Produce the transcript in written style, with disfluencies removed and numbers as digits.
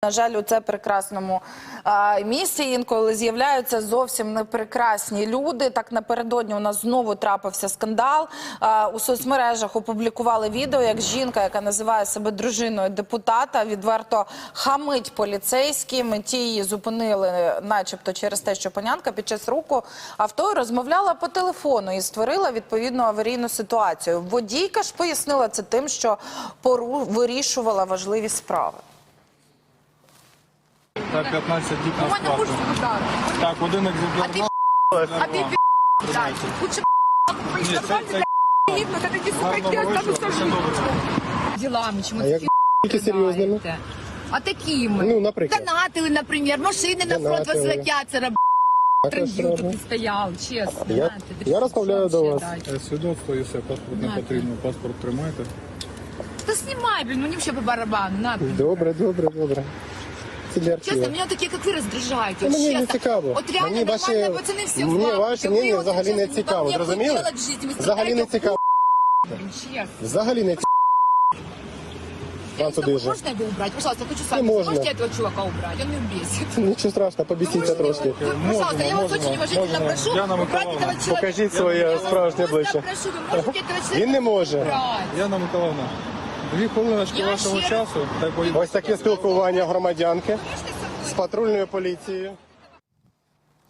На жаль, у це прекрасному місці інколи з'являються зовсім непрекрасні люди. Так, напередодні у нас знову трапився скандал. У соцмережах опублікували відео, як жінка, яка називає себе дружиною депутата, відверто хамить поліцейським. Ті її зупинили начебто через те, що панянка під час руху авто розмовляла по телефону і створила відповідну аварійну ситуацію. Водійка ж пояснила це тим, що вирішувала важливі справи. Так, 15 діб на сплату. Так, один екземпляр. А ти пи***дай. Лучше ділами, чому Тільки серйозними? А такими. Ну, наприклад. Донатили, наприклад, машини на фронт возлетяться, трендів тут стояв, чесно. Я розмовляю до вас. Свідоцтво, якщо паспорт не потрібно, паспорт тримайте. Та знімай, блін, мені взагалі по барабану, на. Добре, добре, добре. Це для Чесно, архіву. мене такі, як ви, роздражають. Мені не цікаво. От реально Мені нормальні пацани всі мені ваше мнення взагалі не цікаво, зрозуміли? Взагалі не цікаво. Взагалі не цікаво. Вам туди же. Можно его убрать? Пожалуйста, хочу с вами. Не можно. Можете этого чувака убрать? Он меня бесит. Нічого страшного, побісіться трошки. Пожалуйста, я вас очень уважительно прошу Яна убрать Миколаївна, этого человека. Покажіть своє справжнє обличчя. Прошу, вы можете этого человека Він не може. убрать? Яна Миколаївна, 2 хвилиночки вашого часу. Ось таке спілкування громадянки з патрульною поліцією.